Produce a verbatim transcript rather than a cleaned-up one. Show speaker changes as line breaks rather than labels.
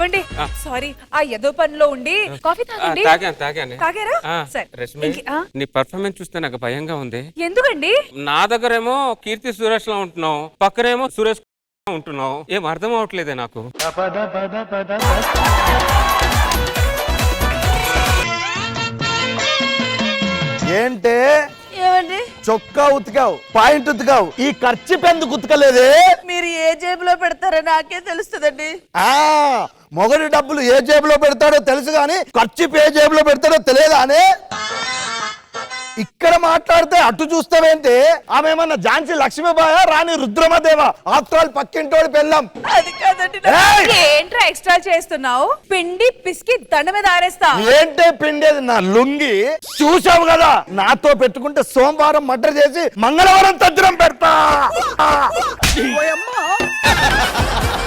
ఏమండి సారీ ఆ ఏదో పనిలో ఉండి కాఫీ తాగండి.
తాగాను తాగాను
తాగారా? సరే.
రష్మి
ఇంకే- ఆ?
నీ పర్ఫార్మెన్స్ చూస్తే నాకు భయంగా ఉంది.
ఎందుకండి?
నా దగ్గరేమో కీర్తి సురేష్ లా ఉంటున్నావు, పక్కనేమో సురేష్ ఉంటున్నావు. ఏం అర్థం అవట్లేదే నాకు.
ఏంటే
ఏమండి
చొక్కా ఉతికావు, పాయింట్ ఉతికావు, ఈ ఖర్చు పెందుకు ఉతకలేదే?
మీరు ఏ జేబులో పెడతారో నాకే తెలుస్తుందండి.
ఆ మొగడి డబ్బులు ఏ జేబులో పెడతాడో తెలుసు గాని ఖర్చు ఏ జేబులో పెడతాడో తెలియదా అని ఇక్కడ మాట్లాడితే అటు చూస్తావేంటి? ఆమె ఏమన్నా ఝాన్సీ లక్ష్మీబాయ రాణి రుద్రమదేవా? ఆఫ్టర్ ఆల్ పక్కింటోడి పెళ్ళాం.
అది కాదండి.
ఏయ్!
ఏంట్రా ఎక్స్ట్రా చేస్తున్నావు? పిండి పిసికి దండ మీద ఆరేస్తా.
ఏంటే పిండేది నా లుంగి? చూసావు కదా, నాతో పెట్టుకుంటే సోమవారం మర్డర్ చేసి మంగళవారం తద్దిరం పెడతా.
ఓయమ్మా.